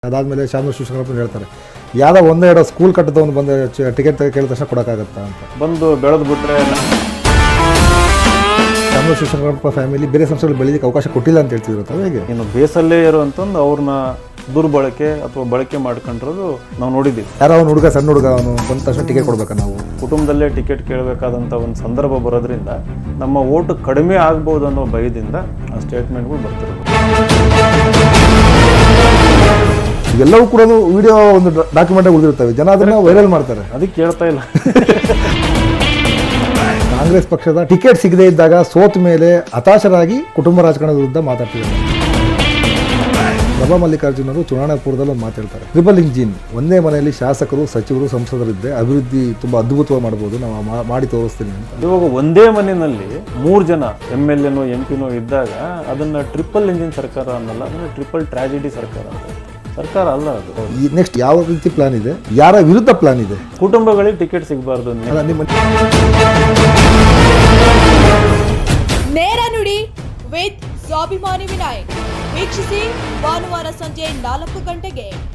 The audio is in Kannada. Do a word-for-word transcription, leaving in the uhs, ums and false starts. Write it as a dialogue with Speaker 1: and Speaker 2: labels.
Speaker 1: ಅದಾದಮೇಲೆ ಶಾಮನೂರು ಶಿವಶಂಕರಪ್ಪ ಹೇಳ್ತಾರೆ ಯಾವುದೋ ಒಂದೇ ಎರಡು ಸ್ಕೂಲ್ ಕಟ್ಟದವನು ಬಂದು ಟಿಕೆಟ್ ಕೇಳಿದ ತಕ್ಷಣ ಕೊಡೋಕ್ಕಾಗತ್ತಾ ಅಂತ
Speaker 2: ಬಂದು ಬೆಳೆದು ಬಿಟ್ಟರೆ
Speaker 1: ಶಾಮನೂರು ಶಿವಶಂಕರಪ್ಪ ಫ್ಯಾಮಿಲಿ ಬೇರೆ ಸಂಸ್ಥೆಗಳು ಬೆಳೆಯೋಕ್ಕೆ ಅವಕಾಶ ಕೊಟ್ಟಿಲ್ಲ ಅಂತ ಹೇಳ್ತಿದ್ರು. ಹೇಗೆ
Speaker 2: ಇನ್ನು ಬೇಸಲ್ಲೇ ಇರುವಂತಂದು ಅವ್ರನ್ನ ದುರ್ಬಳಕೆ ಅಥವಾ ಬಳಕೆ ಮಾಡ್ಕೊಂಡಿರೋದು ನಾವು ನೋಡಿದ್ದೀವಿ.
Speaker 1: ಯಾರೋ ಅವ್ನು ಹುಡುಗ ಸಣ್ಣ ಹುಡುಗ ಅವನು ಬಂದ ತಕ್ಷಣ ಟಿಕೆಟ್ ಕೊಡ್ಬೇಕಾ ನಾವು?
Speaker 2: ಕುಟುಂಬದಲ್ಲೇ ಟಿಕೆಟ್ ಕೇಳಬೇಕಾದಂಥ ಒಂದು ಸಂದರ್ಭ ಬರೋದ್ರಿಂದ ನಮ್ಮ ಓಟು ಕಡಿಮೆ ಆಗ್ಬೋದು ಅನ್ನೋ ಭಯದಿಂದ ಆ ಸ್ಟೇಟ್ಮೆಂಟ್ಗಳು ಬರ್ತಿರೋದು.
Speaker 1: ಇವೆಲ್ಲವೂ ಕೂಡ ವಿಡಿಯೋ ಒಂದು ಡಾಕ್ಯುಮೆಂಟ್ ಉಳಿದಿರ್ತವೆ, ಜನ ಅದನ್ನ ವೈರಲ್ ಮಾಡ್ತಾರೆ.
Speaker 2: ಅದಕ್ಕೆ ಕೇಳ್ತಾ ಇಲ್ಲ.
Speaker 1: ಕಾಂಗ್ರೆಸ್ ಪಕ್ಷದ ಟಿಕೆಟ್ ಸಿಗದೇ ಇದ್ದಾಗ ಸೋತ ಮೇಲೆ ಹತಾಶರಾಗಿ ಕುಟುಂಬ ರಾಜಕಾರಣದ ವಿರುದ್ಧ ಮಾತಾಡ್ತಿದ್ದಾರೆ. ಪ್ರಭಾ ಮಲ್ಲಿಕಾರ್ಜುನರು ಚುನಾವಣಾ ಪೂರ್ವದಲ್ಲಿ ಒಂದು ಮಾತಾಡ್ತಾರೆ, ಟ್ರಿಪಲ್ ಇಂಜಿನ್, ಒಂದೇ ಮನೆಯಲ್ಲಿ ಶಾಸಕರು, ಸಚಿವರು, ಸಂಸದರಿದ್ದರೆ ಅಭಿವೃದ್ಧಿ ತುಂಬ ಅದ್ಭುತವಾಗಿ ಮಾಡ್ಬೋದು, ನಾವು ಮಾಡಿ ತೋರಿಸ್ತೀನಿ ಅಂತ.
Speaker 2: ಇವಾಗ ಒಂದೇ ಮನೆಯಲ್ಲಿ ಮೂರು ಜನ ಎಮ್ ಎಲ್ ಎನೋ ಎಂ ಪಿನೋ ಇದ್ದಾಗ ಅದನ್ನ ಟ್ರಿಪಲ್ ಇಂಜಿನ್ ಸರ್ಕಾರ ಅನ್ನಲ್ಲ, ಅದನ್ನ ಟ್ರಿಪಲ್ ಟ್ರಾಜಿಡಿ ಸರ್ಕಾರ ಅಂತ. ಸರ್ಕಾರ ಅಲ್ಲ ಅದು.
Speaker 1: ಈ ನೆಕ್ಸ್ಟ್ ಯಾವ ರೀತಿ ಪ್ಲಾನ್ ಇದೆ, ಯಾರ ವಿರುದ್ಧ ಪ್ಲಾನ್ ಇದೆ?
Speaker 2: ಕುಟುಂಬಗಳಿಗೆ ಟಿಕೆಟ್ ಸಿಗಬಾರ್ದು.
Speaker 1: ನಿಮ್ಮ
Speaker 3: ನೇರ ನುಡಿ ವಿತ್ ಸ್ವಾಭಿಮಾನಿ ವಿನಾಯಕ್ ವೀಕ್ಷಿಸಿ ಭಾನುವಾರ ಸಂಜೆ ನಾಲ್ಕು ಗಂಟೆಗೆ.